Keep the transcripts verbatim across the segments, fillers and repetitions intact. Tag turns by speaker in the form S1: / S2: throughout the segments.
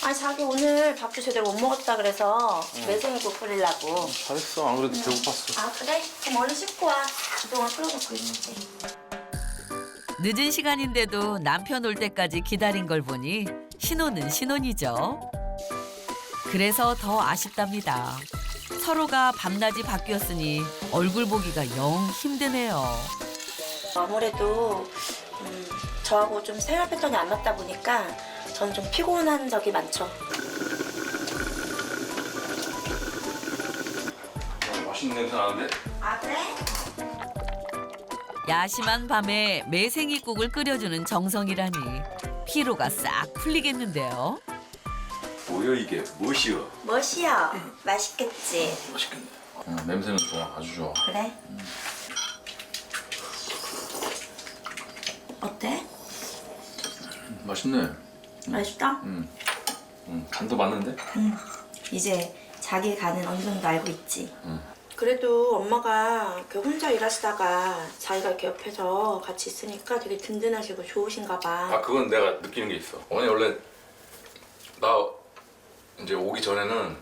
S1: 아 자기 오늘 밥도 제대로 못 먹었다 그래서
S2: 응.
S1: 매생이국 끓이려고.
S2: 잘했어. 안 그래도 배고팠어.
S1: 아 그래? 그럼 얼른 씻고 와. 그동안 끓여놓고 있을게.
S3: 늦은 시간인데도 남편 올 때까지 기다린 걸 보니 신혼은 신혼이죠. 그래서 더 아쉽답니다. 서로가 밤낮이 바뀌었으니 얼굴 보기가 영 힘드네요.
S1: 아무래도 음, 저하고 좀 생활 패턴이 안 맞다 보니까 저는 좀 피곤한 적이 많죠.
S2: 맛있는 냄새 나는데?
S1: 아 그래?
S3: 야심한 밤에 매생이국을 끓여주는 정성이라니 피로가 싹 풀리겠는데요.
S2: 뭐야 이게? 무엇이여?
S1: 멋이야. 맛있겠지?
S2: 맛있겠네. 응, 냄새는 좋아. 아주 좋아.
S1: 그래? 어때?
S2: 음, 맛있네.
S1: 맛있다?
S2: 응. 응, 간도 맞는데?
S1: 응. 이제 자기 간은 어느 정도 알고 있지.
S2: 응.
S1: 그래도 엄마가 이렇게 혼자 일하시다가 자기가 이렇게 옆에서 같이 있으니까 되게 든든하시고 좋으신가 봐.
S2: 아 그건 내가 느끼는 게 있어. 어머니 원래 나 이제 오기 전에는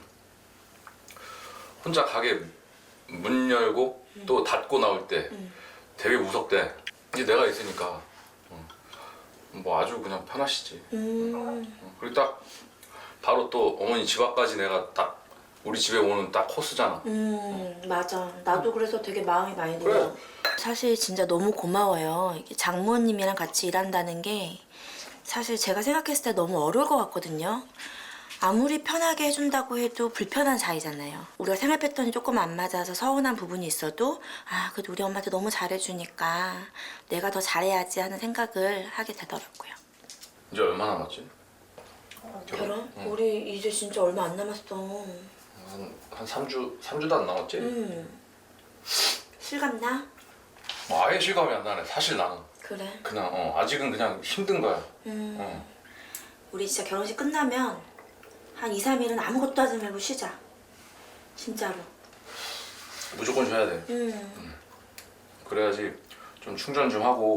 S2: 혼자 가게 문 열고
S1: 응.
S2: 또 닫고 나올 때
S1: 응.
S2: 되게 무섭대. 이제 내가 있으니까 응. 뭐 아주 그냥 편하시지.
S1: 음.
S2: 응. 그리고 딱 바로 또 어머니 집 앞까지 내가 딱 우리 집에 오는 딱 코스잖아.
S1: 음, 맞아. 나도 그래서 되게 마음이 많이
S2: 그래.
S1: 들어. 사실 진짜 너무 고마워요. 이게 장모님이랑 같이 일한다는 게 사실 제가 생각했을 때 너무 어려울 것 같거든요. 아무리 편하게 해준다고 해도 불편한 사이잖아요. 우리가 생활 패턴이 조금 안 맞아서 서운한 부분이 있어도 아, 그래도 우리 엄마한테 너무 잘해주니까 내가 더 잘해야지 하는 생각을 하게 되더라고요.
S2: 이제 얼마 남았지?
S1: 결혼?
S2: 응.
S1: 우리 이제 진짜 얼마 안 남았어.
S2: 한, 한 삼 주, 삼 주도 안 남았지?
S1: 음. 실감나?
S2: 뭐 아예 실감이 안 나네. 사실 나는
S1: 그래.
S2: 그냥 어, 아직은 그냥 힘든 거야.
S1: 음.
S2: 어.
S1: 우리 진짜 결혼식 끝나면 한 이, 삼 일은 아무것도 하지 말고 쉬자. 진짜로.
S2: 무조건 쉬어야 돼.
S1: 음.
S2: 그래야지 좀 충전 좀 하고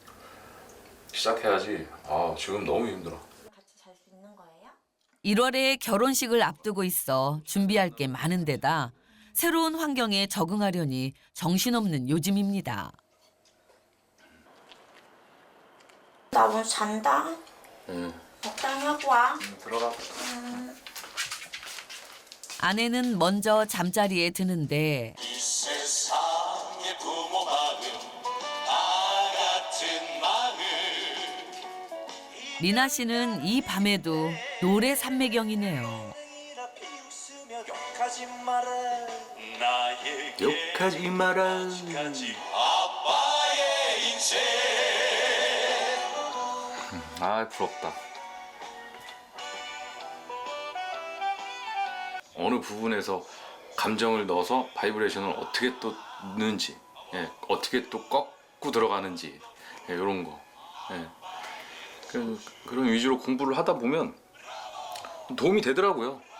S2: 시작해야지. 아 지금 너무 힘들어.
S1: 같이 잘 수 있는 거예요?
S3: 일월에 결혼식을 앞두고 있어 준비할 게 많은 데다 새로운 환경에 적응하려니 정신없는 요즘입니다.
S1: 나 오늘 잔다.
S2: 응.
S1: 적당히 하고 와.
S2: 응, 들어가.
S1: 음.
S3: 아내는 먼저 잠자리에 드는데
S4: 이 세상의 부모 마음 다 같은 마음
S3: 리나 씨는 이 밤에도 노래 삼매경이네요.
S4: 욕하지 마라 나에게
S2: 욕하지 마라.
S4: 아직까지 아빠의 인생
S2: 아 부럽다. 어느 부분에서 감정을 넣어서 바이브레이션을 어떻게 또 넣는지, 예, 어떻게 또 꺾고 들어가는지 예, 이런 거. 예. 그, 그런 위주로 공부를 하다 보면 도움이 되더라고요.